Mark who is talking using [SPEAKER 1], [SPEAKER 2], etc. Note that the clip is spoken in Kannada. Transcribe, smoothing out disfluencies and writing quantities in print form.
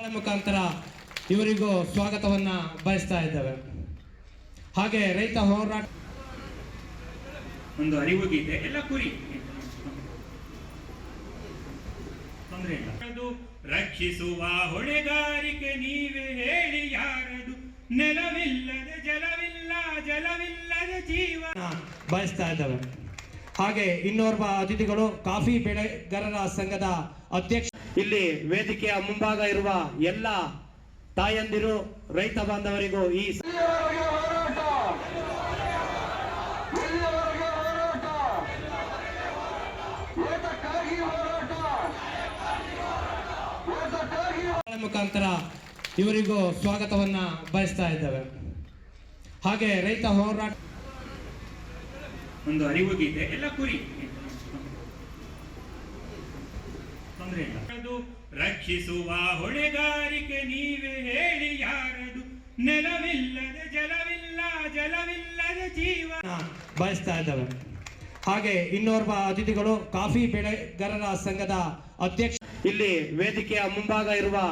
[SPEAKER 1] ಮುಖಾಂತರ ಇವರಿಗೂ ಸ್ವಾಗತವನ್ನ ಬಯಸ್ತಾ ಇದ್ದೇವೆ. ಹಾಗೆ ರೈತ ಹೋರಾಟ
[SPEAKER 2] ಒಂದು ಅರಿವು ಗೀತೆ ಎಲ್ಲ ಕುರಿ ತೊಂದರೆ ಇಲ್ಲ. ರಕ್ಷಿಸುವ ಹೊಣೆಗಾರಿಕೆ ನೀವೇ ಹೇಳಿ ಯಾರದು, ನೆಲವಿಲ್ಲದ ಜಲವಿಲ್ಲ, ಜಲವಿಲ್ಲದ ಜೀವನ
[SPEAKER 1] ಬಯಸ್ತಾ ಇದ್ದೇವೆ. ಹಾಗೆ ಇನ್ನೋರ್ವ ಅತಿಥಿಗಳು ಕಾಫಿ ಬೆಳೆಗಾರರ ಸಂಘದ ಅಧ್ಯಕ್ಷ. ಇಲ್ಲಿ ವೇದಿಕೆಯ ಮುಂಭಾಗ ಇರುವ ಎಲ್ಲ ತಾಯಂದಿರು ರೈತ ಬಾಂಧವರಿಗೂ ಈ ಮುಖಾಂತರ ಇವರಿಗೂ ಸ್ವಾಗತವನ್ನ ಬಯಸ್ತಾ ಇದ್ದೇವೆ. ಹಾಗೆ ರೈತ ಹೋರಾಟ
[SPEAKER 2] ಒಂದು ಅರಿವು ಗೀತೆ ಎಲ್ಲ ಕುರಿ ತೊಂದರೆ ಇಲ್ಲ. ರಕ್ಷಿಸುವ ಹೊಣೆಗಾರಿಕೆ ನೀವೇ ಹೇಳಿ ಯಾರದು, ನೆಲವಿಲ್ಲದ ಜಲವಿಲ್ಲ, ಜಲವಿಲ್ಲದ ಜೀವನ
[SPEAKER 1] ಬಯಸ್ತಾ ಇದ್ದೇವೆ. ಹಾಗೆ ಇನ್ನೋರ್ವ ಅತಿಥಿಗಳು ಕಾಫಿ ಬೆಳೆಗಾರರ ಸಂಘದ ಅಧ್ಯಕ್ಷ. ಇಲ್ಲಿ ವೇದಿಕೆಯ ಮುಂಭಾಗ ಇರುವ